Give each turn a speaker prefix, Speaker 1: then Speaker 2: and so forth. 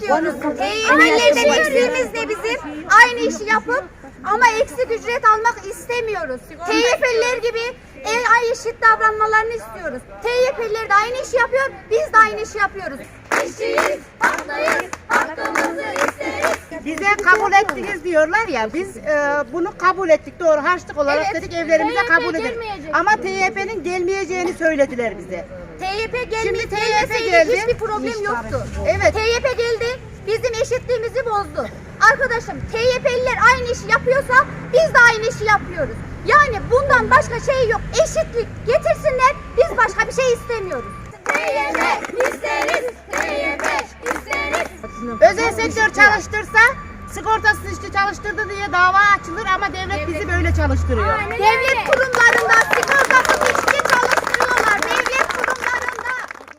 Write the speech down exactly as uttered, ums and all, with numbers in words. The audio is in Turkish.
Speaker 1: istiyoruz. T Y P'lilerden eksiğimiz ne bizim? Aynı işi yapıp ama eksik ücret almak istemiyoruz. T Y P'liler gibi en ay eşit davranmalarını istiyoruz. T Y P'liler de aynı işi yapıyor, biz de aynı işi yapıyoruz. İşçiyiz, haklıyız, hakkımızı isteriz.
Speaker 2: Bize kabul ettiniz diyorlar ya, biz e, bunu kabul ettik, doğru, harçlık olarak
Speaker 1: Evet.
Speaker 2: dedik evlerimize
Speaker 1: T Y P
Speaker 2: kabul edelim.
Speaker 1: gelmeyecek.
Speaker 2: Ama T Y P'nin gelmeyeceğini söylediler bize.
Speaker 1: T Y P
Speaker 2: Şimdi
Speaker 1: gelmedi,
Speaker 2: T Y P
Speaker 1: gelmeseydi
Speaker 2: geldi.
Speaker 1: hiçbir problem yoktu.
Speaker 2: Evet.
Speaker 1: T Y P geldi, bizim eşitliğimizi bozdu. Arkadaşım, T Y P'liler aynı işi yapıyorsa biz de aynı işi yapıyoruz. Yani bundan başka şey yok. Eşitlik getirsinler, biz başka bir şey istemiyoruz. T Y P isteriz, T Y P isteriz.
Speaker 2: Özel sektör çalıştırsa, sigortasız işçi çalıştırdı diye dava açılır ama devlet bizi böyle çalıştırıyor.
Speaker 1: Devlet